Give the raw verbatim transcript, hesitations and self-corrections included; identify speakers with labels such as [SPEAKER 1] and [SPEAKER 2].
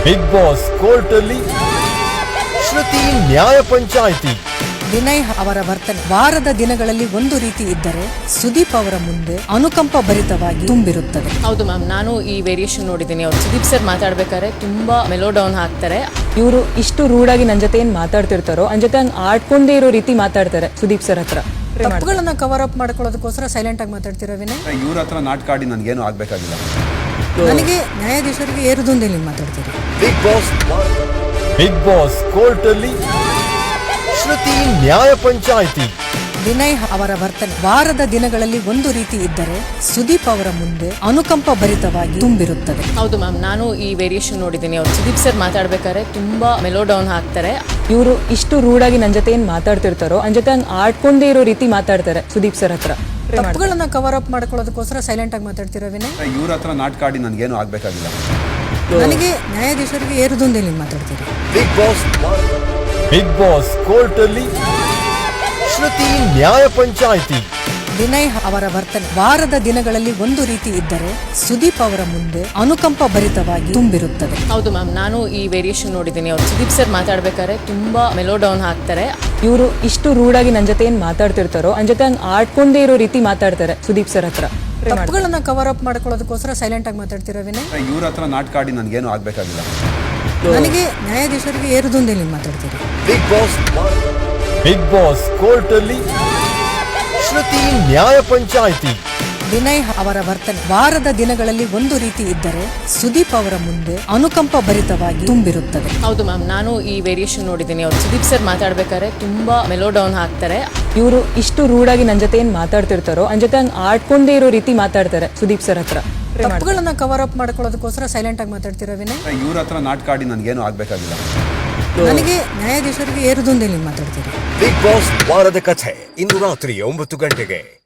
[SPEAKER 1] Big boss court ಅಲ್ಲಿ ಶ್ರುತಿ ನ್ಯಾಯ ಪಂಚಾಯಿತಿ.
[SPEAKER 2] ವಿನಯ್ ಅವರ ವರ್ತನೆ ವಾರದ ದಿನಗಳಲ್ಲಿ ಒಂದು ರೀತಿ ಇದ್ದರೆ ಸುದೀಪ್ ಅವರ ಮುಂದೆ ಅನುಕಂಪ ಭರಿತವಾಗಿ ತುಂಬಿರುತ್ತದೆ.
[SPEAKER 3] ಹೌದು ಮ್ಯಾಮ್, ನಾನು ಈ ವೇರಿಯೇಷನ್ ನೋಡಿದ್ದೀನಿ. ಅವ್ರು ಸುದೀಪ್ ಸರ್ ಮಾತಾಡ್ಬೇಕಾದ್ರೆ ತುಂಬಾ ಮೆಲೋ ಡೌನ್ ಹಾಕ್ತಾರೆ.
[SPEAKER 4] ಇವರು ಇಷ್ಟು ರೂಢಾಗಿ ನನ್ನ ಜೊತೆ ಏನ್ ಮಾತಾಡ್ತಿರ್ತಾರೋ ನನ್ನ ಜೊತೆ ಹಂಗೆ ಆಡ್ಕೊಂಡೇ ಇರೋ ರೀತಿ ಮಾತಾಡ್ತಾರೆ ಸುದೀಪ್ ಸರ್ ಹತ್ರ.
[SPEAKER 2] ತಪ್ಪುಗಳನ್ನ ಕವರ್ ಅಪ್ ಮಾಡ್ಕೊಳ್ಳೋದಕ್ಕೋಸ್ಕರ ಸೈಲೆಂಟ್ ಆಗಿ ಮಾತಾಡ್ತಿರೋ ವಿನಯ್.
[SPEAKER 5] ಇವ್ರ ಹತ್ರ ನಾಟಕ ಆಡಿ ನನ್ಗೇನು ಆಗ್ಬೇಕಾಗಿಲ್ಲ.
[SPEAKER 2] ನನಗೆ ನ್ಯಾಯಾಧೀಶರಿಗೆ ಏರುದೊಂದೇ ಮಾತಾಡ್ತೀರಿ.
[SPEAKER 1] Big boss big boss court ಅಲ್ಲಿ ಶ್ರುತಿ ನ್ಯಾಯ ಪಂಚಾಯಿತಿ.
[SPEAKER 2] ವಿನಯ್ ಅವರ ವರ್ತನೆ ವಾರದ ದಿನಗಳಲ್ಲಿ ಒಂದು ರೀತಿ ಇದ್ದರೆ ಸುದೀಪ್ ಅವರ ಮುಂದೆ ಅನುಕಂಪ ಭರಿತವಾಗಿ ತುಂಬಿರುತ್ತದೆ.
[SPEAKER 3] ಹೌದು ಮ್ಯಾಮ್, ನಾನು ಈ ವೇರಿಯೇಷನ್ ನೋಡಿದ್ದೀನಿ. ಅವ್ರು ಸುದೀಪ್ ಸರ್ ಮಾತಾಡ್ಬೇಕಾದ್ರೆ ತುಂಬಾ ಮೆಲೋ ಡೌನ್ ಹಾಕ್ತಾರೆ.
[SPEAKER 4] ಇವರು ಇಷ್ಟು ರೂಢಾಗಿ ನನ್ನ ಜೊತೆ ಏನ್ ಮಾತಾಡ್ತಿರ್ತಾರೋ ನನ್ನ ಜೊತೆ ಹಂಗೆ ಆಡ್ಕೊಂಡೇ ಇರೋ ರೀತಿ ಮಾತಾಡ್ತಾರೆ ಸುದೀಪ್ ಸರ್ ಹತ್ರ.
[SPEAKER 2] ತಪ್ಪುಗಳನ್ನ ಕವರ್ ಅಪ್ ಮಾಡ್ಕೊಳ್ಳೋದಕ್ಕೋಸ್ಕರ ಸೈಲೆಂಟ್ ಆಗಿ ಮಾತಾಡ್ತಿರೋ ವಿನಯ್.
[SPEAKER 5] ಇವ್ರ ಹತ್ರ ನಾಟಕ ಆಡಿ ನನ್ಗೇನು ಆಗ್ಬೇಕಾಗಿಲ್ಲ.
[SPEAKER 2] ನನಗೆ ನ್ಯಾಯಾಧೀಶರಿಗೆ ಏರುದೊಂದೇ ಮಾತಾಡ್ತೀರಿ.
[SPEAKER 1] Big boss big boss court ಅಲ್ಲಿ ಶ್ರುತಿ ನ್ಯಾಯ ಪಂಚಾಯಿತಿ.
[SPEAKER 2] ವಿನಯ್ ಅವರ ವರ್ತನೆ ವಾರದ ದಿನಗಳಲ್ಲಿ ಒಂದು ರೀತಿ ಇದ್ದರೆ ಸುದೀಪ್ ಅವರ ಮುಂದೆ ಅನುಕಂಪ ಭರಿತವಾಗಿ ತುಂಬಿರುತ್ತದೆ.
[SPEAKER 3] ಹೌದು ಮ್ಯಾಮ್, ನಾನು ಈ ವೇರಿಯೇಷನ್ ನೋಡಿದ್ದೀನಿ. ಅವ್ರು ಸುದೀಪ್ ಸರ್ ಮಾತಾಡ್ಬೇಕಾದ್ರೆ ತುಂಬಾ ಮೆಲೋ ಡೌನ್ ಹಾಕ್ತಾರೆ.
[SPEAKER 4] ಇವರು ಇಷ್ಟು ರೂಢಾಗಿ ನನ್ನ ಜೊತೆ ಏನ್ ಮಾತಾಡ್ತಿರ್ತಾರೋ ನನ್ನ ಜೊತೆ ಹಂಗೆ ಆಡ್ಕೊಂಡೇ ಇರೋ ರೀತಿ ಮಾತಾಡ್ತಾರೆ ಸುದೀಪ್ ಸರ್ ಹತ್ರ.
[SPEAKER 2] ತಪ್ಪುಗಳನ್ನ ಕವರ್ ಅಪ್ ಮಾಡ್ಕೊಳ್ಳೋದಕ್ಕೋಸ್ಕರ ಸೈಲೆಂಟ್ ಆಗಿ ಮಾತಾಡ್ತಿರೋ ವಿನಯ್.
[SPEAKER 5] ಇವ್ರ ಹತ್ರ ನಾಟಕ ಆಡಿ ನನ್ಗೇನು ಆಗ್ಬೇಕಾಗಿಲ್ಲ.
[SPEAKER 2] ನನಗೆ ನ್ಯಾಯಾಧೀಶರಿಗೆ ಏರುದೊಂದೇ ಮಾತಾಡ್ತೀರಿ.
[SPEAKER 1] Big boss big boss court ಅಲ್ಲಿ ಶ್ರುತಿ ನ್ಯಾಯ ಪಂಚಾಯಿತಿ.
[SPEAKER 2] ವಿನಯ್ ಅವರ ವರ್ತನೆ ವಾರದ ದಿನಗಳಲ್ಲಿ ಒಂದು ರೀತಿ ಇದ್ದರೆ ಸುದೀಪ್ ಅವರ ಮುಂದೆ ಅನುಕಂಪ ಭರಿತವಾಗಿ ತುಂಬಿರುತ್ತದೆ.
[SPEAKER 3] ಹೌದು ಮ್ಯಾಮ್, ನಾನು ಈ ವೇರಿಯೇಷನ್ ನೋಡಿದ್ದೀನಿ. ಅವ್ರು ಸುದೀಪ್ ಸರ್ ಮಾತಾಡ್ಬೇಕಾದ್ರೆ ತುಂಬಾ ಮೆಲೋ ಡೌನ್ ಹಾಕ್ತಾರೆ.
[SPEAKER 4] ಇವರು ಇಷ್ಟು ರೂಢಾಗಿ ನನ್ನ ಜೊತೆ ಏನ್ ಮಾತಾಡ್ತಿರ್ತಾರೋ ನನ್ನ ಜೊತೆ ಹಂಗೆ ಆಡ್ಕೊಂಡೇ ಇರೋ ರೀತಿ ಮಾತಾಡ್ತಾರೆ ಸುದೀಪ್ ಸರ್ ಹತ್ರ.
[SPEAKER 2] ತಪ್ಪುಗಳನ್ನ ಕವರ್ ಅಪ್ ಮಾಡ್ಕೊಳ್ಳೋದಕ್ಕೋಸ್ಕರ ಸೈಲೆಂಟ್ ಆಗಿ ಮಾತಾಡ್ತಿರೋ ವಿನಯ್.
[SPEAKER 5] ಇವ್ರ ಹತ್ರ ನಾಟಕ ಆಡಿ ನನ್ಗೇನು ಆಗ್ಬೇಕಾಗಿಲ್ಲ.
[SPEAKER 2] ನನಗೆ ನ್ಯಾಯಾಧೀಶರಿಗೆ ಏರುದೊಂದೇ ಮಾತಾಡ್ತೀರಿ.
[SPEAKER 1] ಬಿಗ್ ಬಾಸ್ ವಾರದ ಕಥೆ ಇಂದು ರಾತ್ರಿ ಒಂಬತ್ತು ಗಂಟೆಗೆ.